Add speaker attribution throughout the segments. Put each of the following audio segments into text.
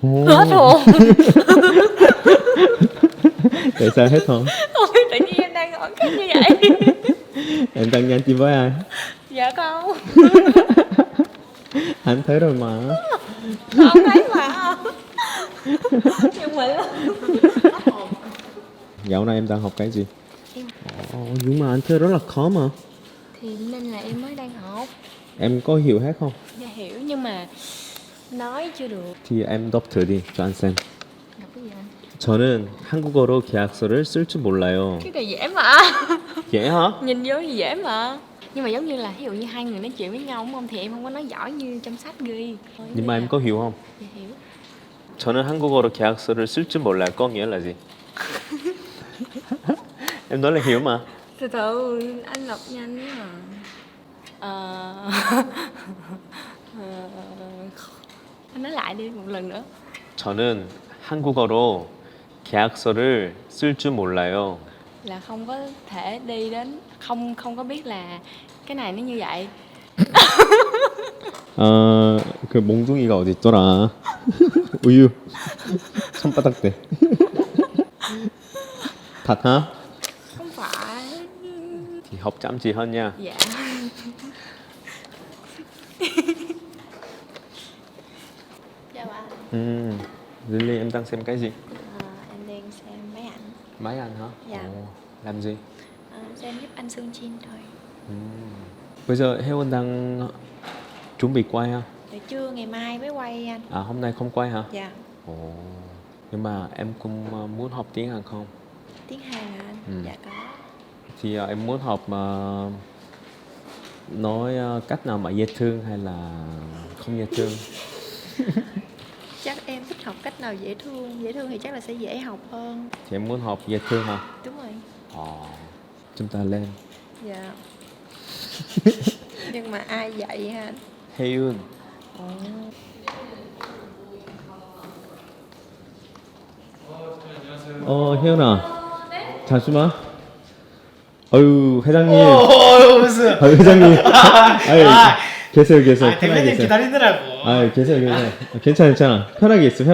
Speaker 1: Hết hồn.
Speaker 2: Tại sao hết hồn?
Speaker 1: Ôi, tự nhiên em đang hỏi cái như vậy.
Speaker 2: Em đang nhắn tin với ai?
Speaker 1: Dạ con.
Speaker 2: Anh thấy rồi mà.
Speaker 1: Không thấy mà. Nhưng mà
Speaker 2: Dạo này em đang học cái gì?
Speaker 1: Em-
Speaker 2: Nhưng mà anh thấy rất là khó mà.
Speaker 1: thì nên là em mới đang học.
Speaker 2: Em có hiểu hết không?
Speaker 1: Dạ hiểu nhưng mà nói chưa được.
Speaker 2: thì em đọc thử đi cho anh xem.
Speaker 1: Đọc cái gì anh?
Speaker 2: 저는 한국어로 계약서를 쓸 줄 몰라요.
Speaker 1: Cái này dễ mà.
Speaker 2: dễ hả?
Speaker 1: Nhìn vô thì dễ mà. Nhưng mà giống như là ví dụ như hai người nói chuyện với nhau đúng không thì em không có nói giỏi như trong sách ghi.
Speaker 2: Nhưng mà em có hiểu không?
Speaker 1: Dạ hiểu.
Speaker 2: 저는 한국어로 계약서를 쓸 줄 몰라요. có nghĩa là gì? Em nói là hiểu mà.
Speaker 1: Từ từ anh đọc nhanh mà. Anh nói lại đi một lần nữa.
Speaker 2: 저는 한국어로 계약서를 쓸 줄 몰라요.
Speaker 1: Là không có thể đi đến không có biết là cái này nó như vậy.
Speaker 2: 그 몽둥이가 어디 있더라? 우유. 손바닥 대. thật hả?
Speaker 1: Không phải.
Speaker 2: thì học chăm chỉ hơn nha.
Speaker 1: Dạ. Chào anh.
Speaker 2: Lily em đang xem cái gì?
Speaker 1: Em đang xem mấy ảnh.
Speaker 2: Máy anh hả?
Speaker 1: Dạ.
Speaker 2: Làm gì?
Speaker 1: Xem giúp anh Sương Chin thôi.
Speaker 2: Bây giờ 혜원 đang chuẩn bị quay ha?
Speaker 1: Để trưa ngày mai mới quay anh.
Speaker 2: À hôm nay không quay hả?
Speaker 1: Dạ.
Speaker 2: Nhưng mà em cũng muốn học tiếng Hàn không?
Speaker 1: Tiếng Hàn hả anh? Dạ có.
Speaker 2: Thì em muốn học nói cách nào mà dễ thương hay là không dễ thương?
Speaker 1: Chắc em thích học cách nào dễ thương. Dễ thương thì chắc là sẽ dễ học hơn.
Speaker 2: Thì em muốn học dễ thương hả?
Speaker 1: Đúng rồi.
Speaker 2: Chúng ta lên.
Speaker 1: Dạ. Nhưng mà ai dạy hả anh?
Speaker 2: 혜윤. 혜윤아. 잠시만. 어유 회장님.
Speaker 3: 무슨?
Speaker 2: 회장님. 계세요. 편하게
Speaker 3: 대표님
Speaker 2: 계세요.
Speaker 3: 기다리느라고.
Speaker 2: 계세요. 괜찮아. 편하게 있어.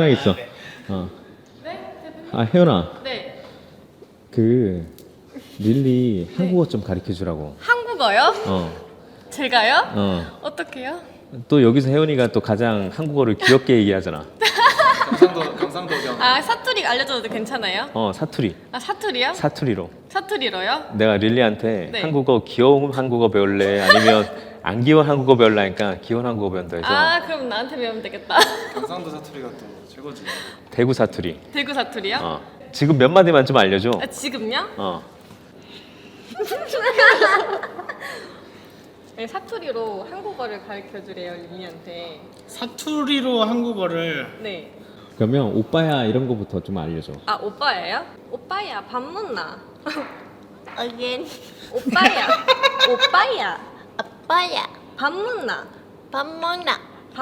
Speaker 2: 혜연아.
Speaker 1: 네.
Speaker 2: 그 릴리 한국어 좀 가르쳐 주라고.
Speaker 1: 한국어요? 제가요?
Speaker 2: 어.
Speaker 1: 어떻게요?
Speaker 2: 또 여기서 혜연이가 또 가장 한국어를 귀엽게 얘기하잖아.
Speaker 3: 경상도
Speaker 1: 사투리 알려줘도 괜찮아요?
Speaker 2: 사투리.
Speaker 1: 사투리요?
Speaker 2: 사투리로.
Speaker 1: 사투리로요?
Speaker 2: 내가 릴리한테
Speaker 1: 네.
Speaker 2: 한국어 귀여운 한국어 배울래 아니면 안 귀여운 한국어 배울래 하니까 귀여운 한국어 배운다 해서
Speaker 1: 그럼 나한테 배우면 되겠다.
Speaker 3: 경상도 사투리가 또 최고지.
Speaker 2: 대구 사투리.
Speaker 1: 대구 사투리요?
Speaker 2: 지금 몇 마디만 좀 알려줘.
Speaker 1: 지금요? 네, 사투리로 한국어를 가르쳐주래요 릴리한테.
Speaker 3: 사투리로 한국어를.
Speaker 1: 네.
Speaker 2: 그러면 오빠야 이런 거부터 좀 알려줘.
Speaker 1: 오빠예요? 오빠야 밥 먹나? Again. 오빠야 밥 먹나? 밥 먹나?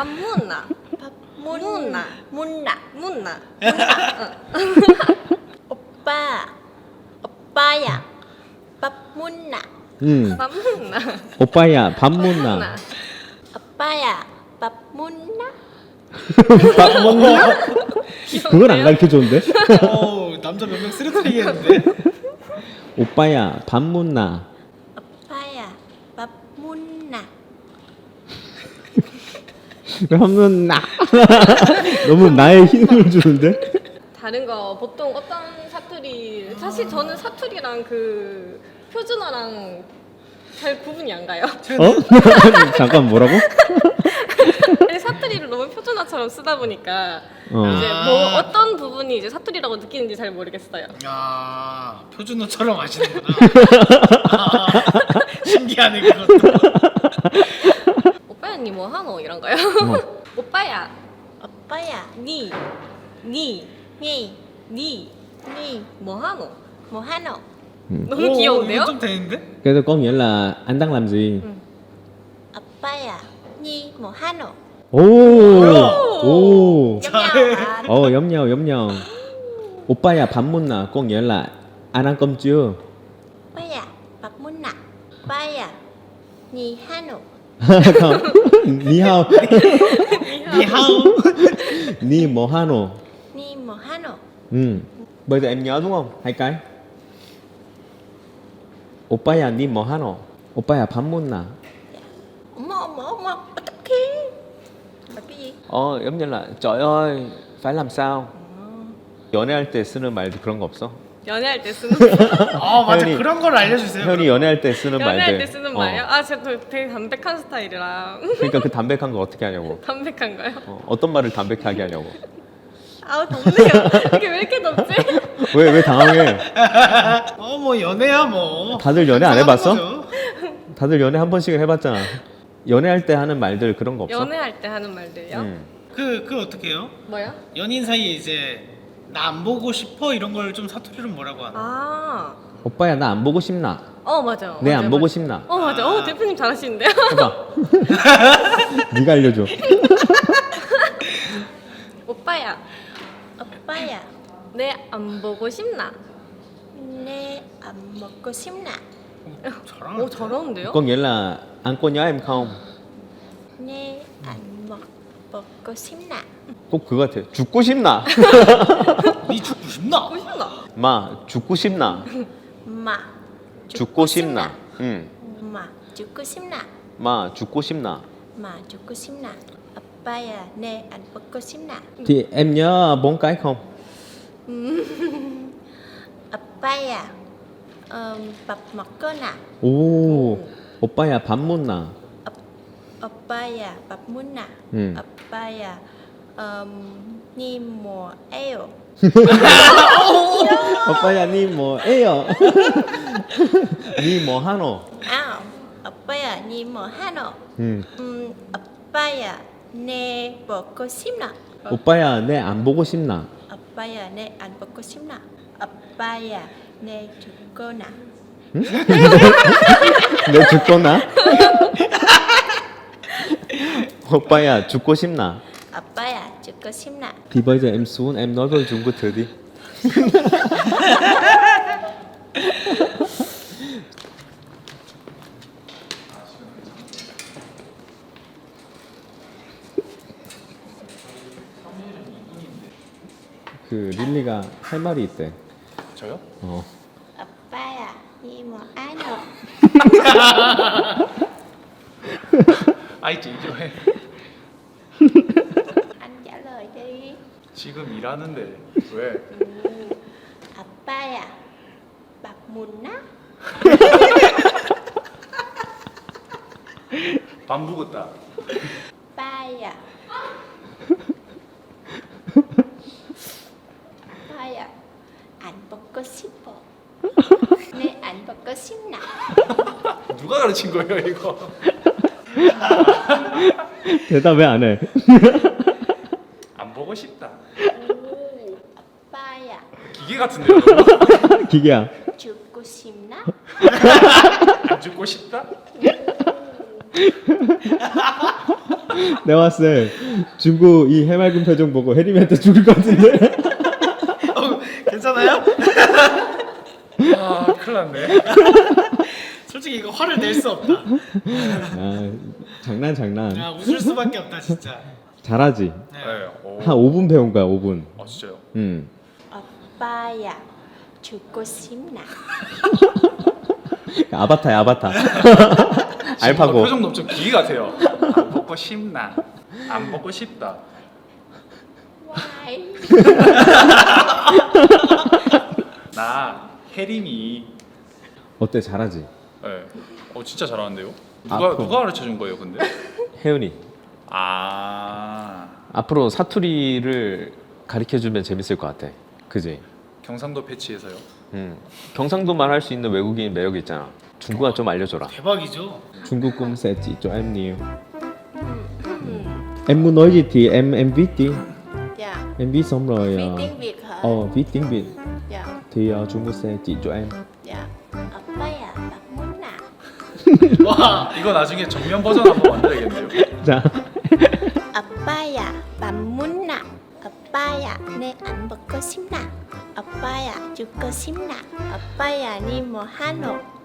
Speaker 4: 오빠야 밥 묻나?
Speaker 1: 밥 먹나?
Speaker 2: 오빠야 밥 먹나?
Speaker 4: 오빠야 밥 묻나?
Speaker 2: 밥 먹나? 그건 안 가르쳐 줬는데?
Speaker 3: 남자 몇 명 쓰러뜨리겠는데?
Speaker 2: 오빠야 밥 먹나?
Speaker 4: 오빠야 밥 묻나?
Speaker 2: 밥 먹나? 너무 나의 힘을 주는데?
Speaker 1: 다른 거 보통 어떤 사투리 사실 저는 사투리랑 그 표준어랑 잘 구분이 안 가요.
Speaker 2: 잠깐 뭐라고?
Speaker 1: 사투리를 너무 표준어처럼 쓰다 보니까 이제
Speaker 3: 아.
Speaker 1: 뭐 어떤 부분이 이제 사투리라고 느끼는지 잘 모르겠어요.
Speaker 3: 야 표준어처럼 하시는구나. 신기하네 그것도.
Speaker 1: 오빠야 니 뭐 하노 이런 거요. 오빠야 니
Speaker 4: 니
Speaker 1: 뭐 하노.
Speaker 4: 뭐 하노?
Speaker 1: 너무 귀여운데요?
Speaker 3: 이거 좀 되는데?
Speaker 2: 그래서 có nghĩa là anh đang làm gì?
Speaker 4: 오빠야 니 뭐 하노?
Speaker 2: 오.
Speaker 3: 잘해.
Speaker 2: 염려. 오빠야 밥 먹나? có nghĩa là anh ăn cơm chưa?
Speaker 4: 오빠야 밥 묻나? 오빠야 니 하노?
Speaker 2: không. Ni hao.
Speaker 3: 니하오.
Speaker 2: Ni mo hano.
Speaker 4: Ni mo hano.
Speaker 2: Bây giờ em nhớ đúng không? Hai cái. 오빠야 ni mo hano. 오빠야 밥 먹나?
Speaker 4: Mo 어떡해. cái gì?
Speaker 2: giống như là trời ơi, phải làm sao? 연애할 때 쓰는 말 그런 거 없어?
Speaker 1: 연애할 때 쓰는
Speaker 3: 맞아.
Speaker 2: 혜연이-
Speaker 3: 그런 걸 알려주세요.
Speaker 2: 혜연이 연애할 때 쓰는 말들.
Speaker 1: 연애할 때 쓰는
Speaker 2: 어.
Speaker 1: 말이요? 아 제가 되게 담백한 스타일이라
Speaker 2: 그러니까 그 담백한 거 어떻게 하냐고.
Speaker 1: 담백한가요?
Speaker 2: 어떤 말을 담백하게 하냐고.
Speaker 1: 아우 덥네요. 이게 왜 이렇게 덥지?
Speaker 2: 왜 당황해?
Speaker 3: 뭐 연애야 뭐.
Speaker 2: 다들 연애 안 해봤어?
Speaker 3: 거죠.
Speaker 2: 다들 연애 한 번씩은 해봤잖아. 연애할 때 하는 말들 그런 거 없어?
Speaker 1: 연애할 때 하는 말들이요?
Speaker 3: 그 어떻게 해요?
Speaker 1: 뭐요?
Speaker 3: 연인 사이에 이제 나 안 보고 싶어 이런 걸 좀 사투리로 뭐라고 하나?
Speaker 1: 아,
Speaker 2: 오빠야 나 안 보고 싶나?
Speaker 1: 맞아요.
Speaker 2: 내 안
Speaker 1: 맞아요,
Speaker 2: 보고
Speaker 1: 맞아요.
Speaker 2: 싶나?
Speaker 1: 맞아. 대표님 잘하시는데요?
Speaker 2: 해봐. 네가 알려줘.
Speaker 1: 오빠야,
Speaker 4: 오빠야.
Speaker 1: 내 안 보고 싶나?
Speaker 4: 내 안 먹고 싶나?
Speaker 3: 잘하는.
Speaker 1: 잘하는데요?
Speaker 2: Có nghĩa là ăn cô nhớ em không?
Speaker 4: 내 안 먹고 싶나?
Speaker 2: 꼭 그거 같아. 죽고 싶나?
Speaker 3: 니 죽고 싶나?
Speaker 1: 보고 싶나?
Speaker 2: 마 죽고 싶나?
Speaker 4: 마.
Speaker 2: 죽고 싶나? 응.
Speaker 4: 마. 죽고 싶나?
Speaker 2: 마 죽고 싶나?
Speaker 4: 마. 죽고 싶나? 오빠야. 내 안 먹고 싶나?
Speaker 2: Thì em nhớ 4 cái không?
Speaker 4: 오빠야. 밥 먹거나.
Speaker 2: 오. 오빠야 밥 먹나?
Speaker 4: 오빠야. 밥 먹나? 오빠야. 니 뭐해요?
Speaker 2: 오빠야 니 뭐해요? 니 뭐 하노?
Speaker 4: 아. 오빠야. 니 뭐하노?
Speaker 2: 응.
Speaker 4: 오빠야. 내 먹고 싶나?
Speaker 2: 오빠야 내 안 보고 싶나?
Speaker 4: 오빠야. 내 안 먹고 싶나? 오빠야. 내 죽거나.
Speaker 2: 내 죽거나? 오빠야 죽고 싶나?
Speaker 4: 오빠야. 죽고 싶나?
Speaker 2: Thì bây giờ em xuống em nói với Trung Quốc thử đi. 그 릴리가 할 말이 있대.
Speaker 3: 저요?
Speaker 4: 오빠야. 니 뭐하노?
Speaker 5: 아이 진정해.
Speaker 4: anh trả lời đi.
Speaker 5: 지금 일하는데 왜?
Speaker 4: 오빠야. 밥 먹나?
Speaker 5: 밥 먹었다.
Speaker 4: 오빠야. 오빠야. 안 먹고 싶어. 내 안 먹고 싶나?
Speaker 5: 누가 가르친 거예요 이거?
Speaker 2: 대답 왜 안 해?
Speaker 5: 안 보고 싶다.
Speaker 4: 오빠야.
Speaker 5: 기계 같은데요?
Speaker 2: 기계야.
Speaker 4: 죽고 싶나?
Speaker 5: 안 죽고 싶다?
Speaker 2: 내가 봤을 때 중국 이 해맑은 표정 보고 혜림이한테 죽을 것 같은데.
Speaker 3: 괜찮아요?
Speaker 5: 아 큰일 났네.
Speaker 3: 솔직히 이거 화를 낼 수 없다.
Speaker 2: 아, 장난.
Speaker 3: 야 웃을 수밖에 없다 진짜.
Speaker 2: 잘하지.
Speaker 3: 네.
Speaker 5: 네. 오.
Speaker 2: 한 5분 배운 거야, 5분.
Speaker 5: 아 진짜요?
Speaker 4: 오빠야. 죽고 싶나?
Speaker 2: 아바타야, 아바타.
Speaker 5: 지금
Speaker 2: 알파고.
Speaker 5: 표정도 엄청 기계 같아요. 안 먹고 싶나? 안 먹고 싶다.
Speaker 4: Why?
Speaker 5: 나 혜림이.
Speaker 2: 어때, 잘하지?
Speaker 5: 네. 진짜 잘하는데요?
Speaker 2: 앞으로.
Speaker 5: 누가 가르쳐 준 거예요 근데?
Speaker 2: 혜연이.
Speaker 5: 아
Speaker 2: 앞으로 사투리를 가르쳐주면 재밌을 것 같아. 그지?
Speaker 5: 경상도 패치에서요.
Speaker 2: 경상도만 할 수 있는 외국인 매력이 있잖아. 중국어 좀 알려줘라.
Speaker 3: 대박이죠.
Speaker 2: Trung Quốc cũng sẽ chỉ cho em nhiều. Em muốn nói gì thì em viết đi.
Speaker 4: Dạ.
Speaker 2: Em viết xong rồi
Speaker 4: Viết tiếng Việt hả?
Speaker 2: viết tiếng Việt
Speaker 4: Dạ.
Speaker 2: thì Trung Quốc sẽ chỉ cho em.
Speaker 4: Dạ. 오빠야. 밥 먹나?
Speaker 3: 와
Speaker 5: 이거 나중에 정면 버전 한번 만들어야겠네요.
Speaker 2: 자,
Speaker 4: 오빠야. 밥 먹나? 오빠야. 내 안 먹고 싶나? 오빠야. 죽고 싶나? 오빠야. 니 뭐하노?